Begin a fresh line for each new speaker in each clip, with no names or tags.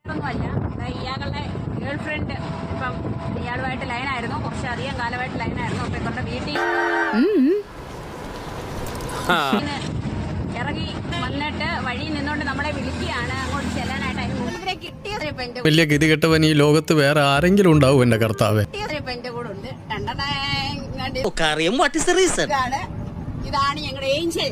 ഒന്നുമല്ല, ഇയാളുടെ girl friend ഇപ്പം ഇയാളുമായിട്ട് ലൈനായിരുന്നു, കുറച്ചധികം കാലമായിട്ട് ലൈനായിരുന്നു. അപ്പൊ ഇവരുടെ വീട്ടിൽ ഇറങ്ങി വന്നിട്ട് വഴി നിന്നോണ്ട് നമ്മളെ വിളിക്കുകയാണ് അങ്ങോട്ട് ചെല്ലാനായിട്ട്. അതിന് മുമ്പിനെ കിട്ടിയത്
വലിയ ഗതികെട്ടവൻ ഈ ലോകത്ത് വേറെ ആരെങ്കിലും ഉണ്ടാവും എന്റെ കർത്താവേ.
എന്റെ കൂടെ ഉണ്ട്. ഇതാണ് ഞങ്ങളുടെ ഏഞ്ചൽ.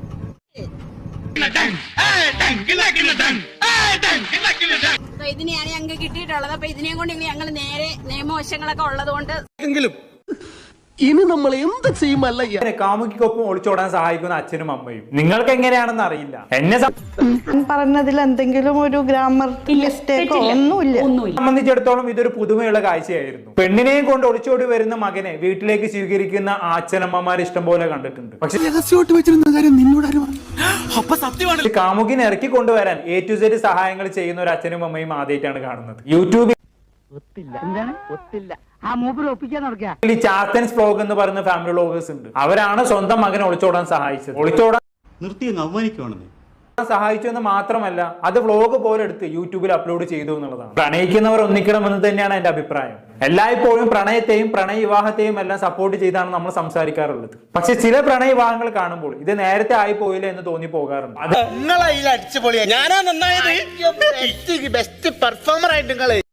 ഇതിനെയാണ് ഞങ്ങൾക്ക് കിട്ടിയിട്ടുള്ളത്. അപ്പൊ ഇതിനെയും കൊണ്ട് ഞങ്ങൾ നേരെ നിയമവശങ്ങളൊക്കെ ഉള്ളത് കൊണ്ട്
ഇനി നമ്മൾ എന്ത് ചെയ്യുമല്ല
കാമുകിക്കൊപ്പം ഒളിച്ചോടാൻ സഹായിക്കുന്ന അച്ഛനും അമ്മയും നിങ്ങൾക്ക് എങ്ങനെയാണെന്ന് അറിയില്ല. എന്നെ
പറഞ്ഞതിൽ എന്തെങ്കിലും ഒരു ഗ്രാമർ മിസ്റ്റേക്കോ ഒന്നുമില്ല.
സംബന്ധിച്ചിടത്തോളം ഇതൊരു പുതുമയുള്ള കാഴ്ചയായിരുന്നു. പെണ്ണിനെയും കൊണ്ട് ഒളിച്ചോടി വരുന്ന മകനെ വീട്ടിലേക്ക് സ്വീകരിക്കുന്ന അച്ഛനമ്മമാർ ഇഷ്ടം പോലെ കണ്ടിട്ടുണ്ട്. പക്ഷെ കാമുകിനെ ഇറക്കി കൊണ്ടുവരാൻ A to Z സഹായങ്ങൾ ചെയ്യുന്ന ഒരു അച്ഛനും അമ്മയും ആദ്യമായിട്ടാണ് കാണുന്നത്. യൂട്യൂബിൽ ചാത്തൻസ് വ്ലോഗ് എന്ന് പറയുന്ന ഫാമിലി വ്ലോഗേഴ്സ് ഉണ്ട്. അവരാണ് സ്വന്തം മകനെ ഒളിച്ചോടാൻ സഹായിച്ചത്. ഒളിച്ചോടാൻ സഹായിച്ചു എന്ന് മാത്രമല്ല, അത് വ്ലോഗ് പോലെ എടുത്ത് യൂട്യൂബിൽ അപ്ലോഡ് ചെയ്തു എന്നുള്ളതാണ്. പ്രണയിക്കുന്നവർ ഒന്നിക്കണമെന്ന് തന്നെയാണ് എന്റെ അഭിപ്രായം. എല്ലായ്പ്പോഴും പ്രണയത്തെയും പ്രണയ വിവാഹത്തെയും എല്ലാം സപ്പോർട്ട് ചെയ്താണ് നമ്മൾ സംസാരിക്കാറുള്ളത്. പക്ഷെ ചില പ്രണയ വിവാഹങ്ങൾ കാണുമ്പോൾ ഇത് നേരത്തെ ആയി പോയില്ല എന്ന് തോന്നി പോകാറുണ്ട്.
ബെസ്റ്റ് പെർഫോമർ ആയിട്ട്